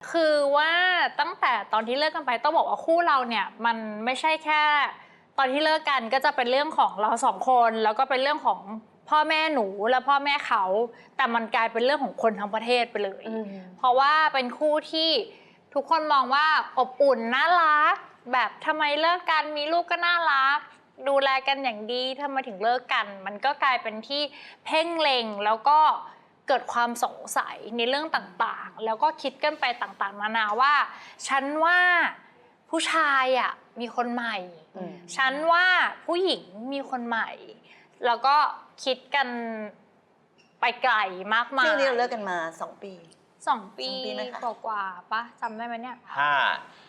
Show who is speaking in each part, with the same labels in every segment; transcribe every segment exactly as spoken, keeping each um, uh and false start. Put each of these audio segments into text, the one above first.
Speaker 1: คือว่าตั้งแต่ตอนที่เลิกกันไปต้องบอกว่าคู่เราเนี่ยมันไม่ใช่แค่ตอนที่เลิกกันก็จะเป็นเรื่องของเราสองคนแล้วก็เป็นเรื่องของพ่อแม่หนูและพ่อแม่เขาแต่มันกลายเป็นเรื่องของคนทั้งประเทศไปเลยเพราะว่าเป็นคู่ที่ทุกคนมองว่าอบอุ่นน่ารักแบบทำไมเลิกกันมีลูกก็น่ารักดูแลกันอย่างดีทำไมถึงเลิกกันมันก็กลายเป็นที่เพ่งเล็งแล้วก็เกิดความสงสัยในเรื่องต่างๆแล้วก็คิดกันไปต่างๆนานาว่าฉันว่าผู้ชายอ่ะมีคนใหม่ฉันว่าผู้หญิงมีคนใหม่แล้วก็คิดกันไปไกลมากมาย
Speaker 2: ซึ่งนี่เราเลิกกันมาสองปี
Speaker 1: สองปีกว่าๆปะจำได้ไหมเนี่ย
Speaker 3: ถ้า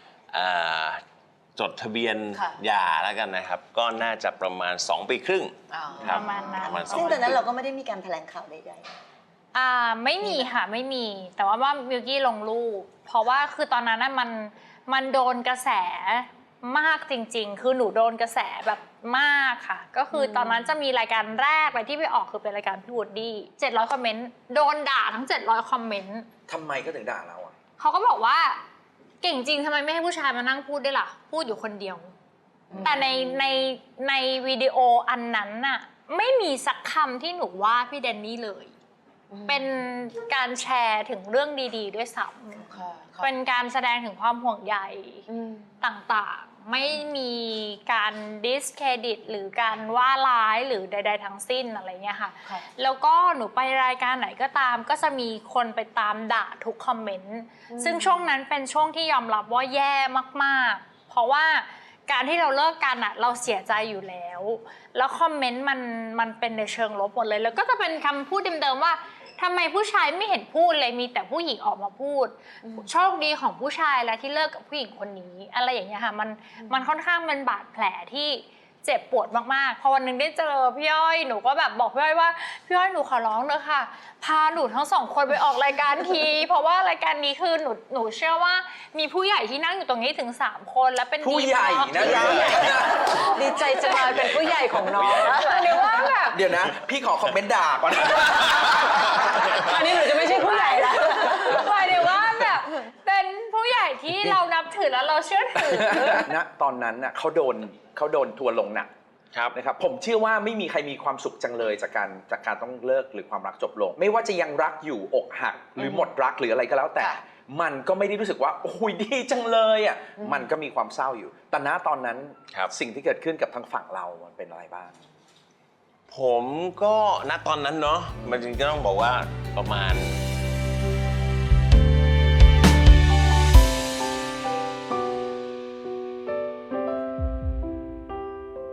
Speaker 3: จดทะเบียนหย่าแล้วกันนะครับก็น่าจะประมาณสองปีครึ่ง
Speaker 1: ประมาณนั้น
Speaker 2: ซึ่งตอนนั้นเราก็ไม่ได้มีการแถลงข่าวใด
Speaker 1: ๆอ่าไม่มีค่ะไม่มีแต่ว่าว่ามิวกี้ลงรูปเพราะว่าคือตอนนั้นมันมันโดนกระแสมากจริงๆคือหนูโดนกระแสแบบมากค่ะก็คือตอนนั้นจะมีรายการแรกเลยที่ไปออกคือเป็นรายการพี่วูดดี้เจ็ดร้อยคอมเมนต์โดนด่าทั้งเจ็ดร้อยคอมเมนต์
Speaker 4: ทำไมก็ถึงด่าเราอ่ะ
Speaker 1: เขาก็บอกว่าเก่งจริงทำไมไม่ให้ผู้ชายมานั่งพูดด้วยล่ะพูดอยู่คนเดียวแต่ในในในวิดีโออันนั้นน่ะไม่มีสักคำที่หนูว่าพี่แดนนี่เลยเป็นการแชร์ถึงเรื่องดีๆด้วยซ้ำเป็นการแสดงถึงความห่วงใยต่างๆไม่มีการดิสเครดิตหรือการว่าร้ายหรือใดๆทั้งสิ้นอะไรเงี้ยค่ะแล้วก็หนูไปรายการไหนก็ตามก็จะมีคนไปตามด่าทุกคอมเมนต์ซึ่งช่วงนั้นเป็นช่วงที่ยอมรับว่าแย่มากๆเพราะว่าการที่เราเลิกกันอะเราเสียใจอยู่แล้วแล้วคอมเมนต์มันมันเป็นในเชิงลบหมดเลยแล้วก็จะเป็นคำพูดเดิมๆว่าทำไมผู้ชายไม่เห็นพูดเลยมีแต่ผู้หญิงออกมาพูดโชคดีของผู้ชายแล้วที่เลิกกับผู้หญิงคนนี้อะไรอย่างเงี้ยค่ะมันมันค่อนข้างเป็นบาดแผลที่เจ็บปวดมากๆพอวันนึงได้เจอพี่อ้อยหนูก็แบบบอกพี่อ้อยว่าพี่อ้อยหนูขอร้องเลยค่ะพาหนูทั้งสองคนไปออกรายการทีเพราะว่ารายการนี้คือหนูหนูเชื่อว่ามีผู้ใหญ่ที่นั่งอยู่ตรงนี้ถึงสามคนและเป็น
Speaker 4: ผู้ใหญ่นะ
Speaker 2: ดีใจจะมาเป็นผู้ใหญ่ของน้อง
Speaker 1: หรือว่าแบบ
Speaker 4: เดี๋ยวนะพี่ขอคอมเมนต์ด่าก่อน
Speaker 2: อันนี้หนูจะไม่ใช่ผู้ใหญ่แล้ว
Speaker 1: หมายถึงว่าแบบเป็นผู้ใหญ่ที่เรานับถือแล้วเราเชื่อถือ
Speaker 4: นะตอนนั้นน่ะเขาโดนเขาโดนทัวร์ลงหนักนะครับผมเชื่อว่าไม่มีใครมีความสุขจังเลยจากการจากการต้องเลิกหรือความรักจบลงไม่ว่าจะยังรักอยู่อกหักหรือหมดรักหรืออะไรก็แล้วแต่มันก็ไม่ได้รู้สึกว่าโอ้ยดีจังเลยอ่ะมันก็มีความเศร้าอยู่แต่ณตอนนั้นสิ่งที่เกิดขึ้นกับทางฝั่งเรามันเป็นอะไรบ้าง
Speaker 3: ผมก็ณตอนนั้นเนาะมันจริงๆก็ต้องบอกว่าประมาณ